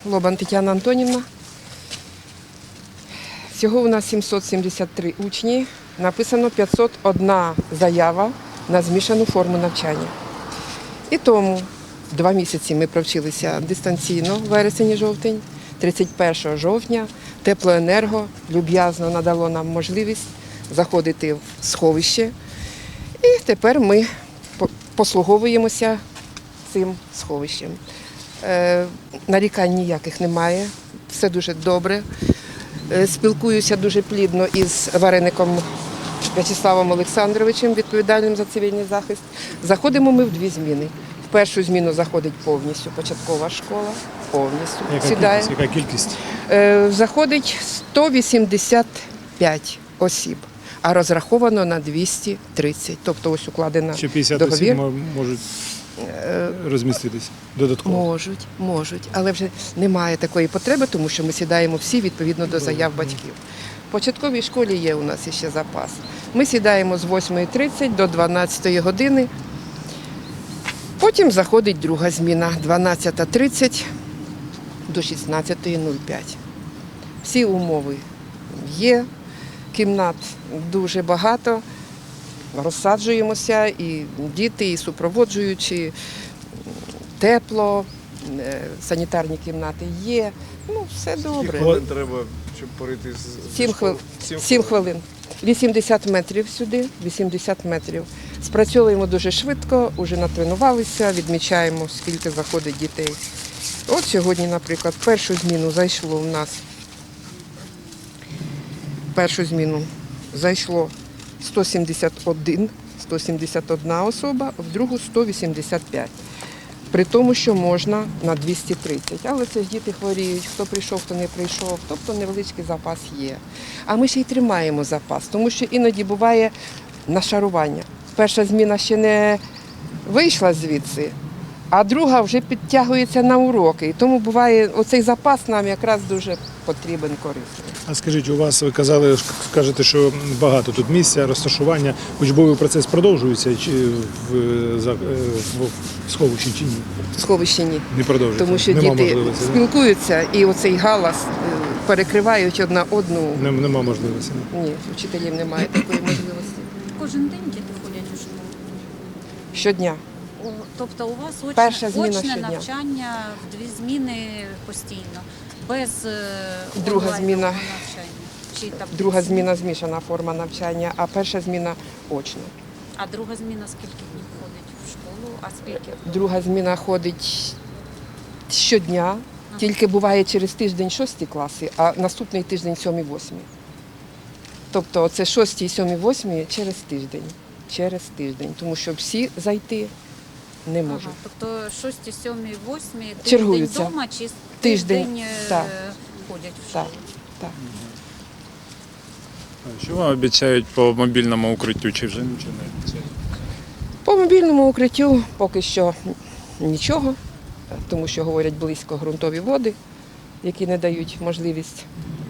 Лобан Тетяна Антонівна. Всього у нас 773 учні. Написано 501 заява на змішану форму навчання. І тому 2 місяці ми провчилися дистанційно, вересень-жовтень. 31 жовтня Теплоенерго люб'язно надало нам можливість заходити в сховище. І тепер ми послуговуємося цим сховищем. Нарікань ніяких немає, все дуже добре. Спілкуюся дуже плідно із вареником В'ячеславом Олександровичем, відповідальним за цивільний захист. Заходимо ми в 2 зміни. В першу зміну заходить повністю початкова школа, повністю сідає. Яка кількість? Заходить 185 осіб, а розраховано на 230. Тобто ось укладена Ще 50 договір. осіб можуть розміститися додатково? Можуть, але вже немає такої потреби, тому що ми сідаємо всі відповідно до заяв батьків. В початковій школі є у нас ще запас. Ми сідаємо з 8:30 до 12 години. Потім заходить друга зміна, 12:30 до 16:05. Всі умови є, кімнат дуже багато, розсаджуємося, і діти, і супроводжуючі, тепло, санітарні кімнати є, все добре. Скільки хвилин треба, щоб перейти з 7 хвилин. 80 метрів сюди, 80 метрів. Спрацьовуємо дуже швидко, вже натренувалися, відмічаємо, скільки заходить дітей. От сьогодні, наприклад, першу зміну зайшло 171 особа, в другу 185. При тому, що можна на 230. Але це ж діти хворіють, хто прийшов, хто не прийшов, тобто невеличкий запас є. А ми ще й тримаємо запас, тому що іноді буває нашарування. Перша зміна ще не вийшла звідси, а друга вже підтягується на уроки. І тому буває, оцей запас нам якраз дуже потрібен, корисний. А скажіть, у вас, ви кажете, що багато тут місця, розташування, учбовий процес продовжується в сховищі чи ні? В сховищі ні. Не продовжується? Тому що Нема діти можливості, спілкуються і оцей галас перекривають одна одну. Нема можливості. Ні, вчителів немає такої можливості. Кожен день діти ходять у школу? Щодня. Тобто у вас Перша зміна очне щодня. навчання в 2 зміни постійно, без Друга онлайнового зміна. навчання? Чи таблиці? Друга зміна змішана форма навчання, а перша зміна очна. А друга зміна скільки днів ходить в школу, а скільки? Друга зміна ходить щодня, тільки буває через тиждень 6 класи, а наступний тиждень 7-8. Тобто це 6, 7, 8 через тиждень, тому що всі зайти не можуть. Ага, тобто 6, 7, 8 тиждень Чергуються. вдома чи Тиждень, тиждень так. ходять в Так, школу? так. Що вам обіцяють по мобільному укриттю, чи вже нічого не обіцяють? По мобільному укриттю поки що нічого, тому що говорять близько ґрунтові води, які не дають можливість